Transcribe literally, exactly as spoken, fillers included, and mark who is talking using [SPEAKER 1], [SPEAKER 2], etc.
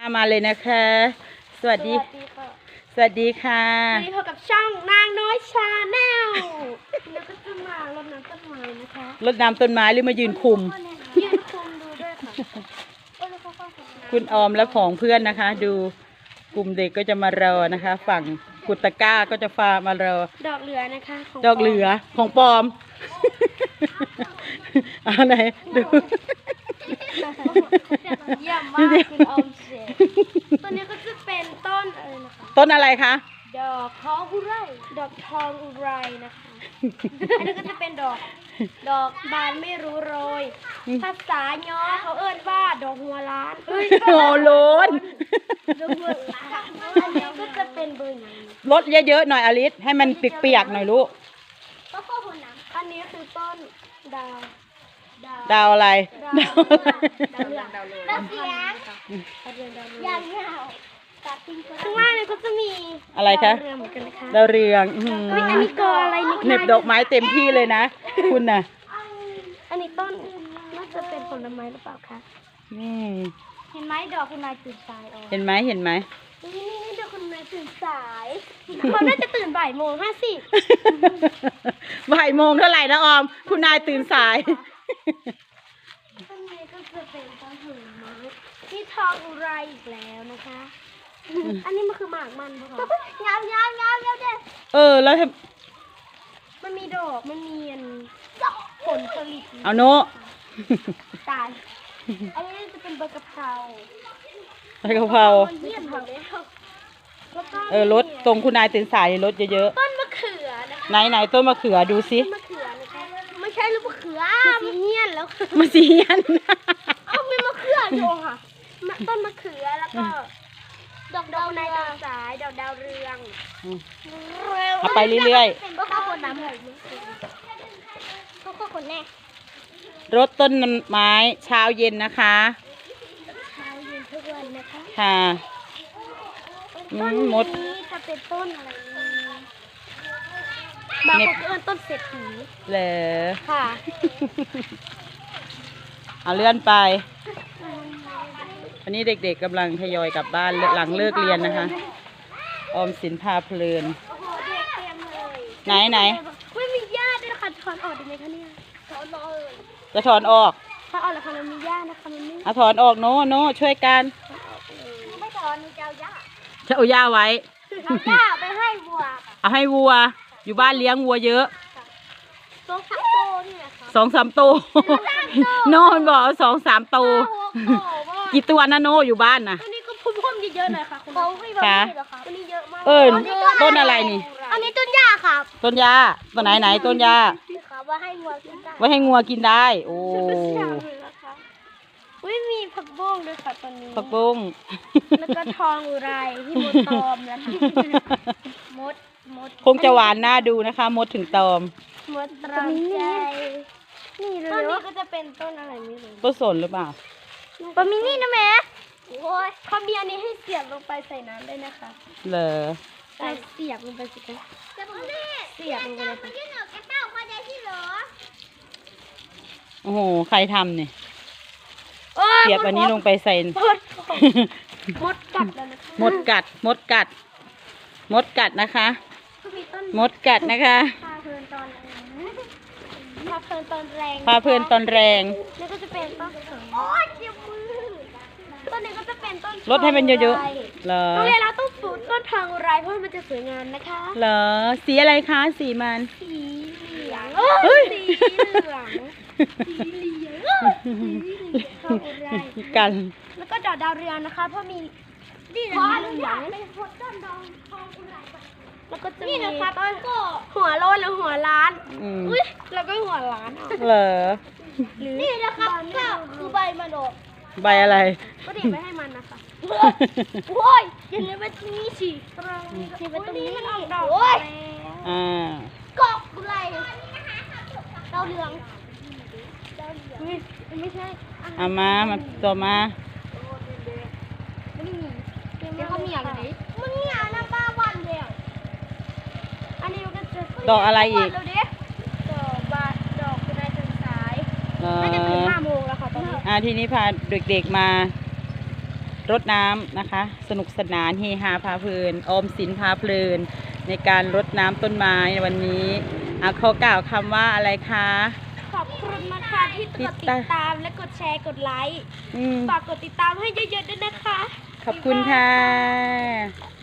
[SPEAKER 1] มาเลยนะคะสวัสดีสวัสดีค่ะ
[SPEAKER 2] วันนี้พบกับช่องนางน้อยชาแนลแล้วก็จะมารดน้ำต้นไม้นะคะ
[SPEAKER 1] รดน้ำต้นไม้หรือมายืนคุม
[SPEAKER 2] ยืนคุมดูด้วยค่ะ
[SPEAKER 1] คุณออมและของเพื่อนนะคะ ดูกลุ่มเด็กก็จะมารอนะคะ ฝั่งกุตก้าก็จะฟามารอ
[SPEAKER 2] ดอกเหลือนะคะ
[SPEAKER 1] ดอกเหลือของปลอมอะไรดู
[SPEAKER 2] เยี่ยมมากคุณออมเสร็จตัวนี้ก็จะเป็นต้นอะไรนะคะ
[SPEAKER 1] ต้นอะไรคะ
[SPEAKER 2] ดอกทองอุไรดอกทองอุไรนะคะอันนี้ก็จะเป็นดอกดอกบานไม่รู้โรยภาษาย้อเขาเอิ้นว่าดอกหัวล้าน
[SPEAKER 1] หัวโล้น
[SPEAKER 2] ดอกหัวล้านอันนี้ก็จะเป็นเบอร์ไหน
[SPEAKER 1] ลดเยอะๆหน่อยอลิสให้มันเปียกๆหน่อยลูก
[SPEAKER 2] ก็ข้อหัวน้ำอันนี้คือต้นดาว
[SPEAKER 1] ดาวอะไร
[SPEAKER 2] ดาวดาวเรืองดาวเรืองดาวเสียงดาวเรืองดาวเรืองยาวข้างล่างเนี่ยก็จะมี
[SPEAKER 1] อะไรคะ
[SPEAKER 2] ดาวเรืองเหมือนกันนะคะ
[SPEAKER 1] ดาวเรือง
[SPEAKER 2] อันนี้ก็อะไรนี่
[SPEAKER 1] เน็บดอกไม้เต็มที่เลยนะคุณน่ะ
[SPEAKER 2] อันนี้ต้นน่าจะเป็นผลไม้หรือเปล่าคะเห็นไหมดอกคุณนายตื่นสาย
[SPEAKER 1] เห็นไหมเห็นไหม
[SPEAKER 2] นี่นี่ดอกคุณนายตื่นสายเขาน่าจะตื่นบ่ายโมงห้าสิบ
[SPEAKER 1] บ่ายโมงเท่าไหร่นะออมคุณนายตื่นสาย
[SPEAKER 2] ต้นนี้ก็จะเป็นต้นผลไม้ที่ทองอุไรอีกแล้วนะคะอันนี้มันคือหมากมันปะคะยาวยาวยาวยาวเด็ด
[SPEAKER 1] เออแล้ว
[SPEAKER 2] มันมีดอกมันมีผลผลิต
[SPEAKER 1] เอาโน
[SPEAKER 2] ตายอันนี้จะเป็นใบกะเพรา
[SPEAKER 1] ใบกะเพราเออรถตรงคุณนายตื่นสายรถเยอะ
[SPEAKER 2] ๆต้นมะเขือนะคะ
[SPEAKER 1] ไหนไหนต้นมะเขือดูสิ
[SPEAKER 2] มะเขือนะคะไม่ใช่ลูกมะเขือมะเฮียนแล้ว
[SPEAKER 1] มะเฮียน
[SPEAKER 2] เอามีมะเขืออยู่ค่ะต้นมะเขือแล้วก็ดอกดาวในดาวสายดอกดาวเรือง
[SPEAKER 1] เอาไปเรื่อย
[SPEAKER 2] ๆก็ข้าวคนน้ำเลยก็ข้าวคนแน่
[SPEAKER 1] รดต้นไม้เช้าเย็นนะคะ
[SPEAKER 2] เช้าเย็นทุกวันนะคะ
[SPEAKER 1] ค่ะ
[SPEAKER 2] ต้นนี้จะเป็นต้นอะไรบางคนเอิ้นต้นเศรษฐี
[SPEAKER 1] เหรอ
[SPEAKER 2] ค่ะ
[SPEAKER 1] เอาเลื่อนไปวันนี้เด็กๆกำลังทยอยกลับบ้านหลังเลิกเรียนนะคะออมสินพาเพลินไหนไหน
[SPEAKER 2] ไม่มีญาติด้วยนะคะถอนออกได้ไหมคะเนี่ยถอนออก
[SPEAKER 1] จะถอนออก
[SPEAKER 2] ถอนออกแล้วค่ะมันมีญาตินะคะมันไม่
[SPEAKER 1] เอาถอนออกโน่โน่ช่วยกัน
[SPEAKER 2] ไม่ถอนจะเอาญาติ
[SPEAKER 1] จะเอาหญ้าไว้
[SPEAKER 2] เอาหญ้าไปให้วัว
[SPEAKER 1] เอาให้วัวอยู่บ้านเลี้ยงวัวเยอะ
[SPEAKER 2] สองสามโตนี่แหละค่ะ
[SPEAKER 1] สองสามโตโน่มันบอกสองสามโตกี่ตัวนะโน่อยู่บ้านนะ
[SPEAKER 2] อันนี้ก็พุ่มๆเยอะๆหน่อยค่ะคุณ
[SPEAKER 1] ค่ะ
[SPEAKER 2] อันนี้เยอะมาก
[SPEAKER 1] เออต้นอะไรนี่
[SPEAKER 2] อันนี้ต้นหญ้าค่ะ
[SPEAKER 1] ต้นหญ้าต้นไหนไหนต้นหญ้า
[SPEAKER 2] ว่าให้งัวกินได้
[SPEAKER 1] ว่าให้งัวกินได้โอ้
[SPEAKER 2] ไม่มีผักบุ้งด้วยค่ะตอนนี้
[SPEAKER 1] ผักบุ้ง
[SPEAKER 2] แล้วก็ทองอุไรที่มดตอมนะคะมดมด
[SPEAKER 1] คงจะหวานน่าดูนะคะมดถึงตอม
[SPEAKER 2] มดตรอมใจนี่เลยต้นนี้ก็จะเป็นต้นอะไรไม่รู้
[SPEAKER 1] ต้นสนหรือเปล่า
[SPEAKER 2] ปามินี่นะแม่โอ้ยเขามีอันนี้ให้เสียบลงไปใส่น้ำได้นะคะ
[SPEAKER 1] เหรอ
[SPEAKER 2] ใส่เสียบลงไปสิคะเสียบลงไปเลยค่ะ
[SPEAKER 1] โอ้โหใครทำเนี่ยเสียบอันนี้ลงไปใส่
[SPEAKER 2] มดกัดแล้วนะคะ
[SPEAKER 1] มดกัดมดกัดมดกัดนะคะมดกัดนะคะ
[SPEAKER 2] พาเพลินตอนพาเพลินตอนแรง
[SPEAKER 1] พาเพลินตอนแรง
[SPEAKER 2] นี่ก็จะเป็นต้นโอ้ยเจ็บมือต้นนี้ก็จะเป็นต้น
[SPEAKER 1] รดให้มันเยอะๆเหรอ
[SPEAKER 2] ต้องเรียนเราต้องปลูกต้นทางอุไรเพราะมันจะสวยงามนะคะ
[SPEAKER 1] เหรอสีอะไรคะสีมัน
[SPEAKER 2] สีเหลืองเฮ้ยสีเหลืองสีเหลืองทองอุไร
[SPEAKER 1] กัน
[SPEAKER 2] แล้วก็ดอกดาวเรืองนะคะเพราะมีนี่นะเหลืองแล้วก็จะมีต้นหัวโลนหรือหัวล้านอุ้ยแล้วก็หัวล้าน
[SPEAKER 1] เหรอ
[SPEAKER 2] นี่นะครับก็คือใบมันออก
[SPEAKER 1] ใบอะไร
[SPEAKER 2] ก็ดีไปให้มันนะคะโอ้ยยังไงว่าที่นี่สิตรงนี้ตรงนี้มันออกดอกโอ้ย
[SPEAKER 1] อ่าก
[SPEAKER 2] อกอะไรดาวเรืองดาวเรืองไม่ใช่
[SPEAKER 1] เอามามาตัวมา
[SPEAKER 2] ไม่มีเดี๋ยวเขามีอะไรมึงเนี่ยน้ำปลาวันเดียวอันนี้มันก็จะ
[SPEAKER 1] ดอกอะไรอีก
[SPEAKER 2] ดอกบาดอกเป็นอะไรตื่นสายน่าจะตื่นห้าโมงแล้วค่ะตอนนี้
[SPEAKER 1] อ่าทีนี้พาเด็กๆมารดน้ำนะคะ สนุกสนานเฮฮาพาเพลินออมสินพาเพลินในการรดน้ำต้นไม้ในวันนี้อ่ะเขากล่าวคำว่าอะไรคะ
[SPEAKER 2] ขอบคุณนะคะที่กดติดตามและกดแชร์กดไลค์
[SPEAKER 1] อืม
[SPEAKER 2] ฝากกดติดตามให้เยอะๆด้วยนะคะ
[SPEAKER 1] ขอบคุณค่ะ